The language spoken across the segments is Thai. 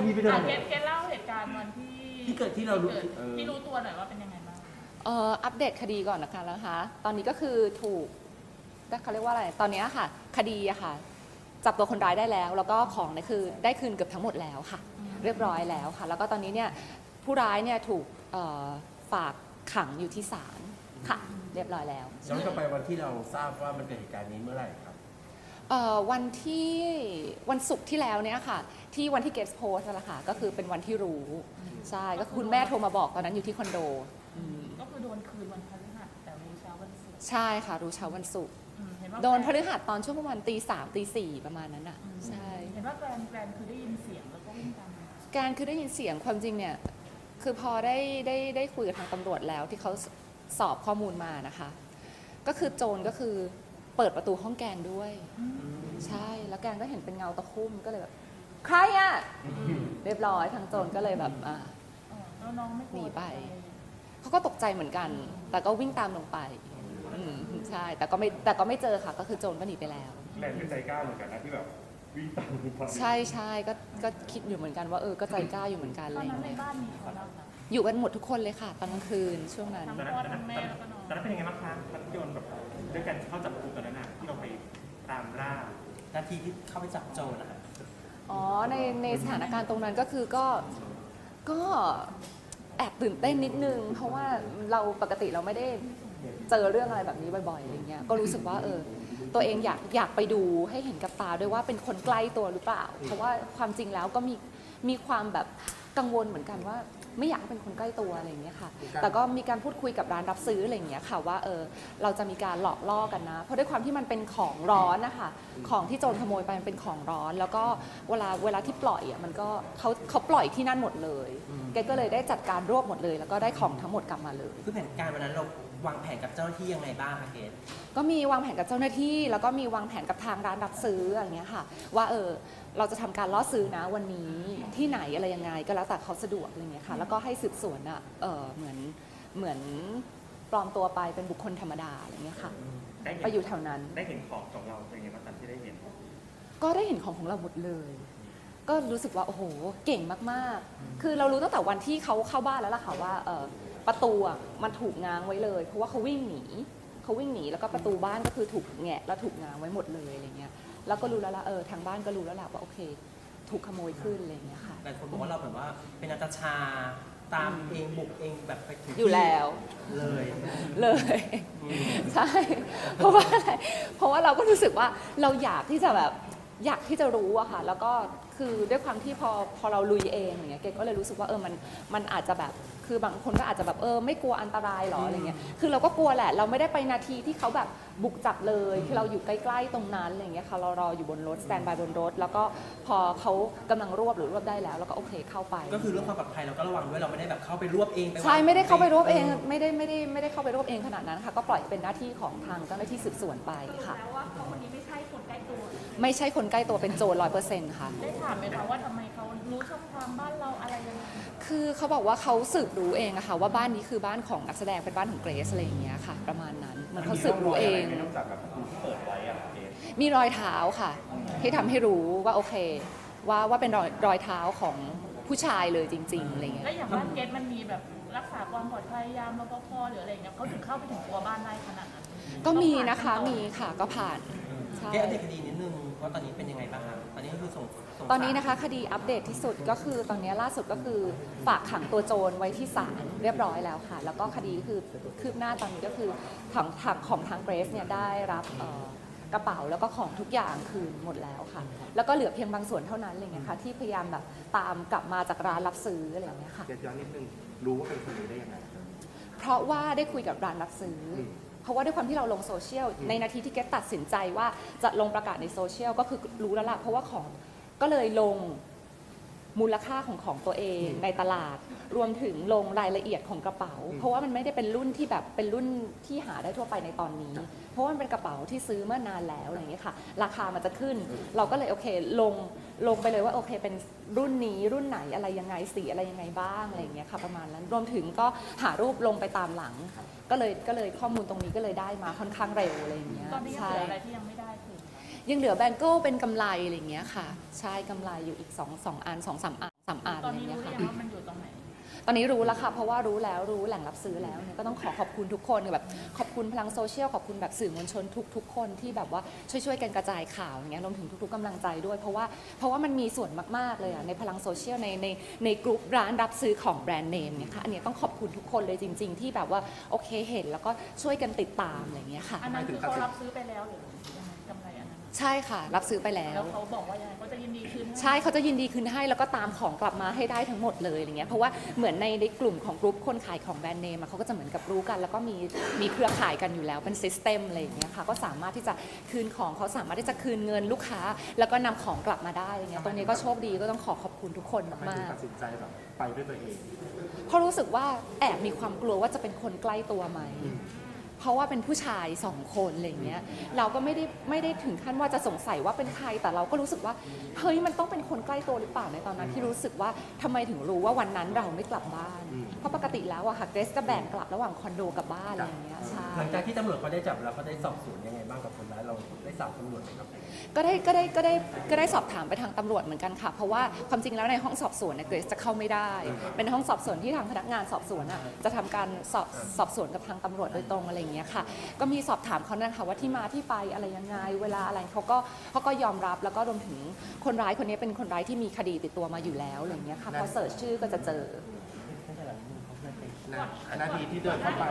ไปเลยเกเล่าเหตุการณ์วันที่เกิดที่เรารู้ที่รู้ตัวหน่อยว่าเป็นยังไงบ้างอัปเดตคดีก่อนนะคะตอนนี้ก็คือถูกเขาเรียกว่าอะไรตอนนี้ค่ะคดีอะค่ะจับตัวคนร้ายได้แล้วแล้วก็ของเนี่ยคือได้คืนเกือบทั้งหมดแล้วค่ะเรียบร้อยแล้วค่ะแล้วก็ตอนนี้เนี่ยผู้ร้ายเนี่ยถูกฝากขังอยู่ที่ศาลค่ะเรียบร้อยแล้วย้อนกลับไปวันที่เราทราบว่ามันเกิดเหตุการณ์นี้เมื่อไหร่ครับวันศุกร์ที่แล้วเนี่ยค่ะที่วันที่เกสโพสนั่นแหละค่ะก็คือเป็นวันที่รู้ใช่ก็คุณแม่โทรมาบอกตอนนั้นอยู่ที่คอนโดก็คือโดนคืนวันพฤหัสแต่รู้เช้าวันศุกร์ใช่ค่ะรู้เช้าวันศุกร์โดนพฤหัสตอนช่วงประมาณตี 3 ตี 4ประมาณนั้นอ่ะใช่เห็นว่าแกรนคือได้ยินเสียงแล้วก็วิ่งตามแกรนคือได้ยินเสียงความจริงเนี่ยคือพอได้คุยกับทางตำรวจแล้วที่เขาสอบข้อมูลมานะคะก็คือโจรก็คือเปิดประตูห้องแกนด้วยใช่แล้วแกนก็เห็นเป็นเงาตะคุ่มก็เลยแบบใครอ่ะเรียบร้อยทางโจรก็เลยแบบแล้วน้องไม่หนีไปเขาก็ตกใจเหมือนกันแต่ก็วิ่งตามลงไปใช่แต่ก็ไม่เจอค่ะก็คือโจรก็หนีไปแล้วแรงเป็นใจกล้าเหมือนกันนะที่แบบวิ่งตามลงไปใช่ก็คิดอยู่เหมือนกันว่าก็ใจกล้าอยู่เหมือนกันตอนนั้นในบ้านมีใครบ้างคะอยู่กันหมดทุกคนเลยค่ะตอนกลางคืนช่วงนั้นทั้งพ่อทั้งแม่แล้วก็น้องตอนนั้นเป็นยังไงบ้างคะพัทยนต์แบบด้วยกันเข้าจับกลุ่มตอนนั้นที่เราไปตามล่านาทีที่เข้าไปจับโจรนะคะในสถานการณ์ตรงนั้นก็คือก็แอบตื่นเต้นนิดนึงเพราะว่าเราปกติเราไม่ได้เจอเรื่องอะไรแบบนี้บ่อยๆอะไรเงี้ยก็รู้สึกว่าตัวเองอยากไปดูให้เห็นกับตาด้วยว่าเป็นคนใกล้ตัวหรือเปล่าเพราะว่าความจริงแล้วก็มีความแบบกังวลเหมือนกันว่าไม่อยากเป็นคนใกล้ตัวอะไรอย่างเงี้ยค่ะแต่ก็มีการพูดคุยกับร้านรับซื้ออะไรอย่างเงี้ยค่ะว่าเราจะมีการหลอกล่อกันนะเพราะด้วยความที่มันเป็นของร้อนนะคะของที่โจรขโมยไปมันเป็นของร้อนแล้วก็เวลาที่ปล่อยอ่ะมันก็เขาปล่อยที่นั่นหมดเลยแกก็เลยได้จัดการรวบหมดเลยแล้วก็ได้ของทั้งหมดกลับมาเลยคือแผนการวันนั้นเราวางแผนกับเจ้าหน้าที่ยังไงบ้างคะเกศก็มีวางแผนกับเจ้าหน้าที่แล้วก็มีวางแผนกับทางร้านรับซื้ออย่างเงี้ยค่ะว่าเราจะทำการล่อซื้อนะวันนี้ที่ไหนอะไรยังไงก็แล้วแต่เขาสะดวกอะไรเงี้ยค่ะแล้วก็ให้สืบสวนเหมือนปลอมตัวไปเป็นบุคคลธรรมดาอะไรเงี้ยค่ะไปอยู่แถวนั้นได้เห็นของเราเป็นยังไงบ้างตอนที่ได้เห็นก็ได้เห็นของเราหมดเลยก็รู้สึกว่าโอ้โหเก่งมากๆคือเรารู้ตั้งแต่วันที่เขาเข้าบ้านแล้วล่ะค่ะว่าประตูมันถูกง้างไว้เลยเพราะว่าเขาวิ่งหนีแล้วก็ประตูบ้านก็คือถูกแงะแล้วถูกง้างไว้หมดเลยอะไรเงี้ยแล้วก็รู้แล้วล่ะทางบ้านก็รู้แล้วล่ะว่าโอเคถูกขโมยขึ้นอะไรเงี้ยค่ะหลายคนบอกว่าเราแบบว่าเป็นนาตาชาตามเองบุกเองแบบไปถึงอยู่แล้วเลยใช่เพราะว่าเราก็รู้สึกว่าเราอยากที่จะรู้อะค่ะแล้วก็คือด้วยความที่พอเราลุยเองอย่างเงี้ยเกก็เลยรู้สึกว่ามันอาจจะแบบคือบางคนก็อาจจะแบบไม่กลัวอันตรายหรออะไรเงี้ยคือเราก็กลัวแหละเราไม่ได้ไปนาทีที่เขาแบบบุกจับเลยคือเราอยู่ใกล้ๆตรงนั้นอะไรเงี้ยค่ะเรารออยู่บนรถสแตนบายบนรถแล้วก็พอเขากำลังรวบได้แล้วแล้วก็โอเคเข้าไปก็คือเรื่องความปลอดภัยเราก็ระวังด้วยเราไม่ได้แบบเข้าไปรวบเองใช่ไม่ได้เข้าไปรวบเองไม่ได้เข้าไปรวบเองขนาดนั้นค่ะก็ปล่อยเป็นหน้าที่ของทางเจ้าหน้าที่สืบสวนไปค่ะแล้วว่าเขาคนนี้ไม่ใช่คนใกล้ตัวไม่ใช่คนใกล้ตัวเป็นโจร100%ค่ะได้ถามไหมคะว่าทำไมเขารู้ช่องทางบ้านเราอะไรยังไงคือเขาบอกว่าเขาสืบรู้เองอะค่ะว่าบ้านนี้คือบ้านของนักแสดงเป็นบ้านของเกรซอะไรอย่างเงี้ยค่ะประมาณนั้นมันเขาสืบรู้เองนอกจากแบบที่เปิดไว้อะเกศมีรอยเท้าค่ะที่ทำให้รู้ว่าโอเคว่าเป็นรอยเท้าของผู้ชายเลยจริงๆอะไรเงี้ยแล้วอย่างบ้านเกรซมันมีแบบรักษาความปลอดภัยยามรปภหรืออะไรเงี้ยเขาถึงเข้าไปถึงตัวบ้านได้ขนาดนั้นก็มีนะคะมีค่ะก็ผ่านแก้อัปเดตคดีนิดนึงว่าตอนนี้เป็นยังไงบ้างคะตอนนี้ก็คือส่งตอนนี้นะคะคดีอัปเดตที่สุดก็คือตอนนี้ล่าสุดก็คือฝากขังตัวโจรไว้ที่ศาลเรียบร้อยแล้วค่ะแล้วก็คดีคือคืบหน้าตอนนี้ก็คือของทางเกรซเนี่ยได้รับกระเป๋าแล้วก็ของทุกอย่างคืนหมดแล้วค่ะแล้วก็เหลือเพียงบางส่วนเท่านั้นอะไรเงี้ยค่ะที่พยายามแบบตามกลับมาจากร้านรับซื้ออะไรเงี้ยค่ะย้อนนิดนึงรู้ว่าเป็นคนนี้ได้ยังไงเพราะว่าได้คุยกับร้านรับซื้อเพราะว่าด้วยความที่เราลงโซเชียลในนาทีที่เกรซตัดสินใจว่าจะลงประกาศในโซเชียลก็คือรู้แล้วล่ะเพราะว่าของก็เลยลงมูลค่าของตัวเองในตลาดรวมถึงลงรายละเอียดของกระเป๋าเพราะว่ามันไม่ได้เป็นรุ่นที่แบบเป็นรุ่นที่หาได้ทั่วไปในตอนนี้เพราะว่ามันเป็นกระเป๋าที่ซื้อเมื่อนานแล้วอะไรอย่างเงี้ยค่ะราคามันจะขึ้นเราก็เลยโอเคลงไปเลยว่าโอเคเป็นรุ่นนี้รุ่นไหนอะไรยังไงสีอะไรยังไงบ้างอะไรอย่างเงี้ยค่ะประมาณนั้นรวมถึงก็หารูปลงไปตามหลังก็เลยข้อมูลตรงนี้ก็เลยได้มาค่อนข้างเร็วอะไรอย่างเงี้ยตอนนี้ยังเหลืออะไรที่ยังไม่ได้ยังเหลือแบงเกิลเป็นกำไรอะไรอย่างเงี้ยค่ะใช่กำไรอยู่อีก2-3 อัน 3 อันตออะนไรนี้เงี้รู้ยหรือค่ะยังว่ามันอยู่ตรงไหนตอนนี้รู้แล้วค่ะเพราะว่ารู้แล้วรู้แหล่งรับซื้อแล้วเนี่ยก็ต้องขอบคุณทุกคนแบบขอบคุณพลังโซเชียลขอบคุณแบบสื่อมวลชนทุกคนที่แบบว่าช่วยกันกระจายข่าวอย่างเงี้ยรวมถึงทุกๆกำลังใจด้วยเพราะว่ามันมีส่วนมากๆเลยอะในพลังโซเชียลในกลุ่มร้านรับซื้อของแบรนด์เนมเนี่ยค่ะอันนี้ต้องขอบคุณทุกคนเลยจริง ๆ ที่แบบว่าโอเคเห็นแล้วก็ช่วยกันติดตามอะไรอย่างเงี้ยค่ะอันนั้นคือเขารับซื้อไปแล้วหรือยังไงกำไรอันนั้นใช่ค่ะรับซื้อไปแล้แล้ว วเขาบอกว่ายังไงเขาจะยินดีคืนห้ใช่เขาจะยินดีคืนให้แล้วก็ตามของกลับมาให้ได้ทั้งหมดเลยอะไรเงี้ยเพราะว่าเหมือนในกลุ่มของกลุ่มคนขายของแบรนด์เนมอะเขาก็จะเหมือนกับรู้กัน แล้วก็มีเครือข่ายกันอยู่แล้วเป็นซิสเต็มอะไรอย่างเงี้ยค่ะก็สามารถที่จะคืนของเขาสามารถที่จะคืนเงินลูกค้า แล้วก็นำของกลับมาได้อะไรเงี้ยตรงนี้ก็โชคดีก็ต้องขอบคุณทุกคนทำไมมาถึงกตัดสินใจแบบไปด้วยตัวเองๆเพราะรู้สึกว่าแอบมีความกลัวว่าจะเป็นคนใกล้ตัวไหม เพราะว่าเป็นผู้ชาย2 คนอะไรอย่างเงี้ยเราก็ไม่ได้ถึงขั้นว่าจะสงสัยว่าเป็นใครแต่เราก็รู้สึกว่าเฮ้ยมันต้องเป็นคนใกล้ตัวหรือเปล่าในตอนนั้นที่รู้สึกว่าทำไมถึงรู้ว่าวันนั้นเราไม่กลับบ้าน เพราะปกติแล้วอะค่ะเกรซจะแบ่งกลับระหว่างคอนโดกับบ้านอะไรอย่างเงี้ยใช่หลังจากที่ตำรวจเขาได้จับแล้วเขาได้สอบสวนยังไงบ้างกับคนร้ายเราได้สอบตำรวจไหมครับก็ได้สอบถามไปทางตำรวจเหมือนกันค่ะ เพราะว่าความจริงแล้วในห้องสอบสวนเนี่ยเกรซจะเข้าไม่ได้ เป็นห้องสอบสวนที่ทางพนักงานสอบสวนอะจะทำการสอบสวนกับทางตำรวจโดยตรงอะไรอย่างเงี้ยค่ะ ก็มีสอบถามเขานะคะว่าที่มาที่ไปอะไรยังไงเวลาอะไรเขาก็ยอมรับแล้วก็รวมถึงคนร้ายคนนี้เป็นคนร้ายที่มีคดีติดตัวมาอยู่แล้วอะไรอย่างเงี้ยค่ะพอเสิร์ชชื่อก็จะเจอนาทีที่เดินเข้าไป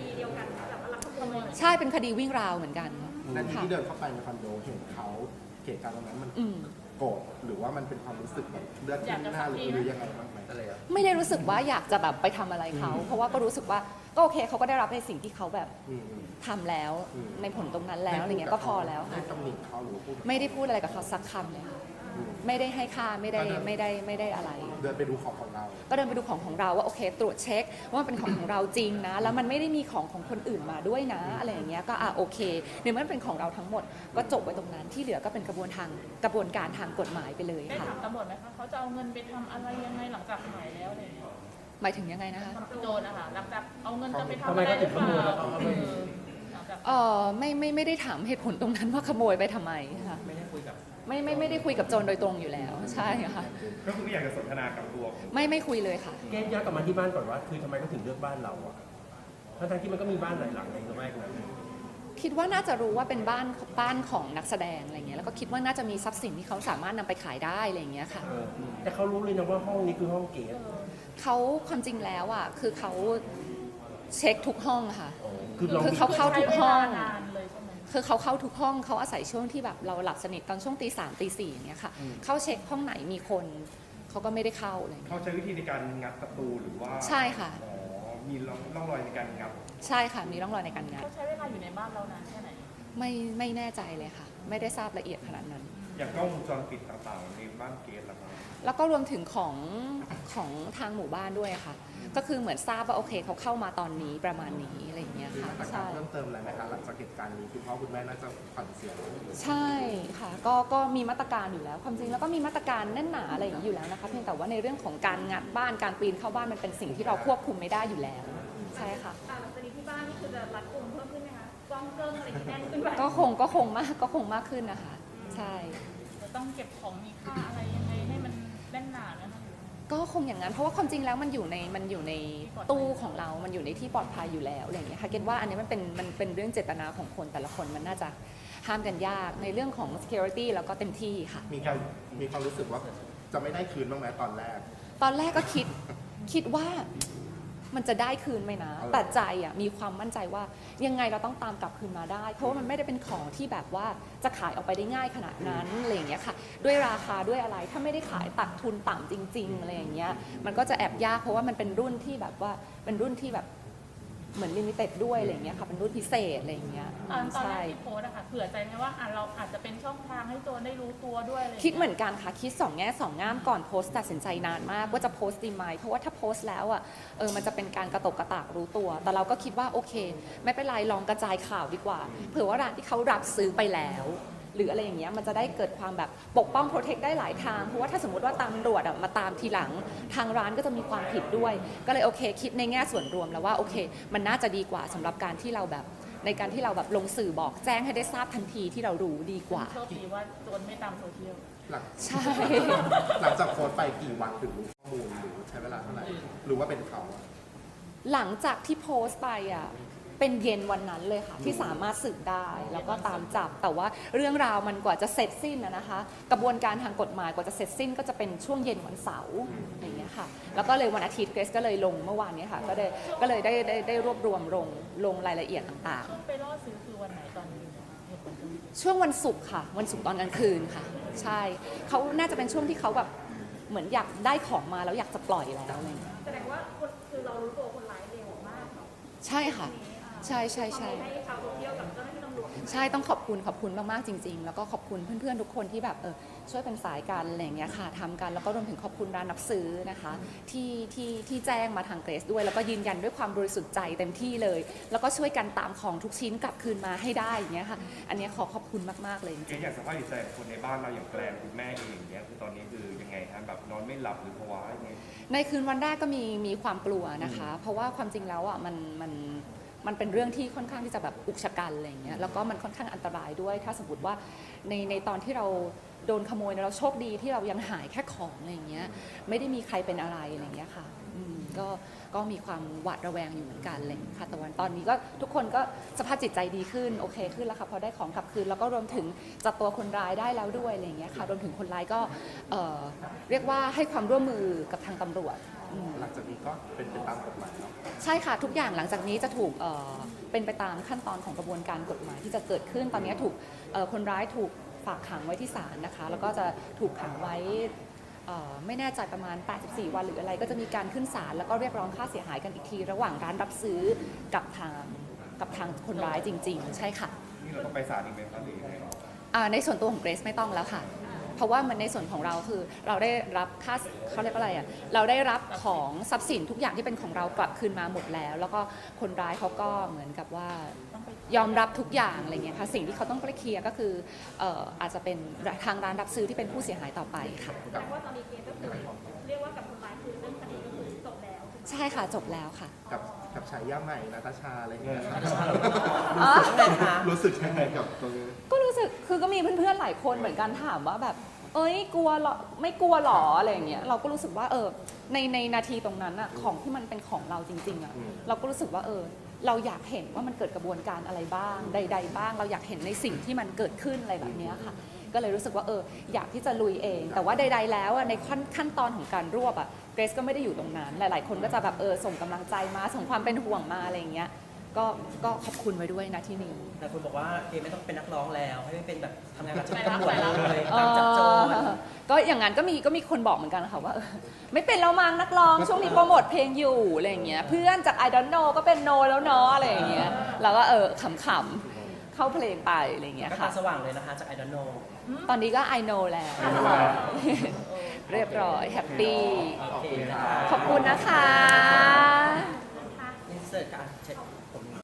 ใช่เป็นคดีวิ่งราวเหมือนกันนาทีค่ะที่เดินเข้าไปในคอนโดเห็นเขาเหตุการณ์ตรงนั้นมันโกรธหรือว่ามันเป็นความรู้สึกแบบเลือดขึ้นหน้าหรือยังไงบ้างไหมอะไรอะไม่ได้รู้สึกว่าอยากจะแบบไปทำอะไรเขา เพราะว่าก็รู้สึกว่าก็โอเคเขาก็ได้รับในสิ่งที่เขาแบบอืมทำแล้วอืมในผลตรงนั้นแล้วอะไรเงี้ยก็พอแล้วได้ค่ะตำหนิเขาหรือพูดไม่ได้พูดอะไรกับเขาสักคำเลยค่ะไม่ได้ให้ค่าไม่ได้อะไรเดินไปดูของเราก็เดินไปดูของเราว่าโอเค ตรวจเช็คว่ามันเป็นของเราจริงนะ แล้วมันไม่ได้มีของคนอื่นมาด้วยนะอะไรอย่างเงี้ยก็โอเคในเมื่อมันเป็นของเราทั้งหมดก็จบไว้ตรงนั้นที่เหลือก็เป็นกระบวนการทางกฎหมายไปเลยได้ค่ะถามตำรวจไหมคะเขาจะเอาเงินไปทำอะไรยังไงหลังจากหายแล้วอะไรอย่างเงี้ยหมายถึงยังไงนะคะโจรนะคะหลังจากเอาเงินจะไปทำทำไมอะไรเขาหถึรืงอขเปโมยล่าแล้วเขาเอาไปหลังจากไม่ได้ถามเหตุผลตรงนั้นว่าขโมยไปทำไมค่ะไม่ได้คุยกับไม่ได้คุยกับโจรโดยตรงอยู่แล้วใช่ค่ะก็คือไม่อยากจะสนทนากับตัวของไม่คุยเลยค่ะเกสย้อนกลับมาที่บ้านก่อนว่าคือทำไมเขาถึงเลือกบ้านเราอะทั้งๆที่มันก็มีบ้านหลายหลังในละแวกนั้นคิดว่าน่าจะรู้ว่าเป็นบ้านของนักแสดงอะไรเงี้ยแล้วก็คิดว่าน่าจะมีทรัพย์สินที่เขาสามารถนำไปขายได้อะไรเงี้ยค่ะแต่เขารู้เลยนะว่าห้องนี้คือห้องเกสเขาความจริงแล้วอ่ะคือเขาเช็คทุกห้องค่ะคือเราคือเขาเข้าทุกห้องใช้เวลานานเลยใช่ไหมคือเขาเข้าทุกห้องเขาอาศัยช่วงที่แบบเราหลับสนิทตอนช่วงตี 3ตี 4อย่างเงี้ยค่ะเข้าเช็คห้องไหนมีคนเขาก็ไม่ได้เข้าอะไรเลยเขาใช้วิธีในการงัดประตูหรือว่าใช่ค่ะอ๋อมีร่องรอยในการงัดใช่ค่ะมีร่องรอยในการงัดเขาใช้เวลาอยู่ในบ้านเรานานแค่ไหนไม่แน่ใจเลยค่ะ ไม่ได้ทราบละเอียดขนาดนั้นอย่างกล้องวงจรปิดต่างๆในบ้านเกสล่ะครับแล้วก็รวมถึงของทางหมู่บ้านด้วยค่ะ ก็คือเหมือนทราบว่าโอเคเขาเข้ามาตอนนี้ประมาณนี้อะไรอย่างเงี้ยมีค่ะมาตรการใช่เพิ่มเติมอะไรไหมคะหลังจากเหตุการณ์นี้คุณพ่อคุณแม่น่าจะขวัญเสียใช่ค่ะก็มีมาตรการอยู่แล้ว ความจริงแล้วก็มีมาตรการแน่นหนาอะไรอย่างนี้อยู่แล้วนะคะเพียงแต่ว่าในเรื่องของการงัดบ้านการปีนเข้าบ้านมันเป็นสิ่งที่เราควบคุมไม่ได้อยู่แล้วใช่ค่ะหลังจากนี้ที่บ้านนี่คือจะรัดกุมเพิ่มขึ้นไหมคะกล้องเกิ้งอะไรที่แน่นขึ้นไหมก็คงมากขึ้นนะคะ ใช่จะต้องเก็บของมีค่าอะไรยังไงให้มันแน่นหนานะคะก็คงอย่างนั้นเพราะว่าความจริงแล้วมันอยู่ในตู้ของเรา มันอยู่ในที่ปลอดภัยอยู่แล้วอะไรอย่างเงี้ยค่ะเก็ตว่าอันนี้มันเป็นเรื่องเจตนาของคนแต่ละคนมันน่าจะห้ามกันยากในเรื่องของ security แล้วก็เต็มที่ค่ะมีความรู้สึกว่าจะไม่ได้คืนบ้างไหมตอนแรกตอนแรกก็คิดว่ามันจะได้คืนไหมนะ แต่ใจอ่ะมีความมั่นใจว่ายังไงเราต้องตามกลับคืนมาได้ เพราะว่ามันไม่ได้เป็นของที่แบบว่าจะขายออกไปได้ง่ายขนาดนั้นอะไรอย่างเงี้ยค่ะ ด้วยราคาด้วยอะไรถ้าไม่ได้ขายตัดทุนต่ำจริงๆอะไรอย่างเงี้ยมันก็จะแอบยากเพราะว่ามันเป็นรุ่นที่แบบว่าเป็นรุ่นที่แบบเหมือนลิมิเต็ดด้วยอะไรอย่างเงี้ยค่ะเป็นรุ่นพิเศษอะไรอย่างเงี้ยตอนแรใช่กที่โพสต์อะค่ะเผื่อใจไหมว่าเราอาจจะเป็นช่องทางให้โจรได้รู้ตัวด้วยอะไรอย่างคิดเงี้ยเหมือนกันค่ะคิด2 แง่ 2 ง่ามก่อนโพสต์ตัดสินใจนานมากว่าจะโพสต์ดีไหมเพราะว่าถ้าโพสต์แล้วอ่ะมันจะเป็นการกระตกกระตากรู้ตัว แต่เราก็คิดว่าโอเค ไม่เป็นไรลองกระจายข่าวดีกว่าเผื่อว่าร้านที่เขารับซื้อไปแล้ว หรืออะไรอย่างเงี้ยมันจะได้เกิดความแบบปกป้องโปรเทคได้หลายทางเพราะว่าถ้าสมมติว่าตำรวจมาตามทีหลังทางร้านก็จะมีความผิดด้วย ก็เลยโอเค คิดในแง่ส่วนรวมแล้วว่าโอเค มันน่าจะดีกว่าสำหรับการที่เราแบบในการที่เราแบบลงสื่อบอกแจ้งให้ได้ทราบทันทีที่เรารู้ดีกว่าโชคดีว่าโจรไม่ตามโซเชียลหลังใช่หลังจากโพสต์ไปกี่วันถึงรู้ข้อมูลหรือใช้เวลาเท่าไหร่หรือว่าเป็นเขาอะหลังจากที่โพสต์ไปอ่ะเป็นเย็นวันนั้นเลยค่ะที่สามารถสืบได้แล้วก็ตามจับแต่ว่าเรื่องราวมันกว่าจะเสร็จสิ้นนะคะ กระบวนการทางกฎหมายกว่าจะเสร็จสิ้นก็จะเป็นช่วงเย็นวันเสาร์อย่างเงี้ยค่ะแล้วก็เลยวันอาทิตย์เกรซก็เลยลงเมื่อวานนี้ค่ะก็เลยได้รวบรวมลงรายละเอียดต่างช่วงไปล่อซื้อคือวันไหนตอนนี้เหตุผลคือๆช่วงวันศุกร์ค่ะวันศุกร์ตอนกลางคืนค่ะใช่เขาน่าจะเป็นช่วงที่เขาแบบเหมือนอยากได้ของมาแล้วอยากจะปล่อยแล้วอะไรอย่างเงี้ยแสดงว่าคนคือเรารู้ตัวคนร้ายเร็วมากเนาะใช่ค่ะใช่ให้ชาวโซเชียลกับเจ้าหน้าที่ตำรวจใช่ต้องขอบคุณมากๆจริงๆแล้วก็ขอบคุณเพื่อนๆทุกคนที่แบบช่วยเป็นสายกันอะไรอย่างเงี้ยค่ะทำกันแล้วก็รวมถึงขอบคุณร้านรับซื้อนะคะที่แจ้งมาทางเกรซด้วยแล้วก็ยืนยันด้วยความบริสุทธิ์ใจเต็มที่เลย แล้วก็ช่วยกันตามของทุกชิ้นกลับคืนมาให้ได้อย่างเงี้ยค่ะอันเนี้ยขอขอบคุณมากๆเลยจเกริดงอยากสภาพจิตใจของคนในบ้านเราอย่างแกลนคุณแม่เองอย่างเงี้ยคือตอนนี้คือยังไงฮะแบบนอนไม่หลับหรือภาวะยังไงๆในคืนวันแรกก็มีความกลัวนะคะ เพราะว่าความจริงแล้วอ่ะมันเป็นเรื่องที่ค่อนข้างที่จะแบบอุกชะกันอะไรอย่างเงี้ยแล้วก็มันค่อนข้างอันตรายด้วยถ้าสมมติว่าในตอนที่เราโดนขโมยเนี่ยเราโชคดีที่เรายังหายแค่ของอะไรอย่างเงี้ยไม่ได้มีใครเป็นอะไรอะไรอย่างเงี้ยค่ะก็มีความหวาดระแวงอยู่เหมือนกันเลยค่ะแต่วันตอนนี้ก็ทุกคนก็สภาพจิตใจดีขึ้นโอเคขึ้นแล้วค่ะพอได้ของกลับคืนแล้วก็รวมถึงจับตัวคนร้ายได้แล้วด้วยอะไรอย่างเงี้ยค่ะรวมถึงคนร้ายก็เรียกว่าให้ความร่วมมือกับทางตำรวจหลังจากนี้ก็เป็นไปตามกฎหมายเนาะใช่ค่ะทุกอย่างหลังจากนี้จะถูกเป็นไปตามขั้นตอนของกระบวนการกฎหมายที่จะเกิดขึ้นตอนนี้ถูกคนร้ายถูกฝากขังไว้ที่ศาลนะคะแล้วก็จะถูกขังไว้ไม่แน่ใจประมาณ84วันหรืออะไรก็จะมีการขึ้นศาลแล้วก็เรียกร้องค่าเสียหายกันอีกทีระหว่างร้านรับซื้อกับทางคนร้ายจริงๆใช่ค่ะนี่เราต้องไปศาลอีกไหมครับหรือยังไงในส่วนตัวของเกรซไม่ต้องแล้วค่ะเพราะว่ามันในส่วนของเราคือเราได้รับค่าเขาเรียกว่าอะไรอ่ะเราได้รับของทรัพย์สินทุกอย่างที่เป็นของเรากลับคืนมาหมดแล้วแล้วก็คนร้ายเขาก็เหมือนกับว่ายอมรับทุกอย่างอะไรเงี้ยค่ะสิ่งที่เขาต้องไปเคลียร์ก็คืออาจจะเป็นทางร้านรับซื้อที่เป็นผู้เสียหายต่อไปค่ะแสดงว่าตอนนี้เคสก็คือเรียกว่ากับคนร้ายคือเรื่องคดีก็คือจบแล้วใช่ค่ะจบแล้วค่ะกับฉายาใหม่นาตาชาอะไรอย่างเงี้ยอ๋อรู้สึกยังไงกับตรงนี้ก็รู้สึกคือก็มีเพื่อนๆหลายคนเหมือนกันถามว่าแบบเอ้ยกลัวหรอไม่กลัวหรออะไรอย่างเงี้ยเราก็รู้สึกว่าในนาทีตรงนั้นอะของที่มันเป็นของเราจริงๆอะเราก็รู้สึกว่าเราอยากเห็นว่ามันเกิดกระบวนการอะไรบ้างใดๆบ้างเราอยากเห็นในสิ่งที่มันเกิดขึ้นอะไรแบบเนี้ยค่ะก็เลยรู้สึกว่าอยากที่จะลุยเอง แต่ว่าใดๆแล้วในขั้นตอนของการรวบเกรซก็ไม่ได้อยู่ตรงนั้นหลายๆคนก็จะแบบส่งกำลังใจมาส่งความเป็นห่วงมาอะไรอย่างเงี้ยก็ขอบคุณไว้ด้วยนะที่นี้แต่คุณบอกว่าเกไม่ต้องเป็นนักร้องแล้วให้เป็นแบบทำงานกับไปรับตำรวจไปรับเลยตามจับโจรก็อย่างนั้นก็มีคนบอกเหมือนกันค่ะว่าไม่เป็นแล้วมั้งนักร้องช่วงนี้โปรโมทเพลงอยู่อะไรอย่างเงี้ยเพื่อนจาก I don't know ก็เป็น no แล้วเนาะอะไรอย่างเงี้ยเราก็ขำๆเข้าเพลงไปอะไรอย่างเงี้ยก็ค่ะตาสว่างเลยนะคะจาก I don't know ตอนนี้ก็ I know แล้ว เรียบร้อยแฮปปี้โอเคนะคะขอบคุณนะคะอินเสิร์ตการเช็ค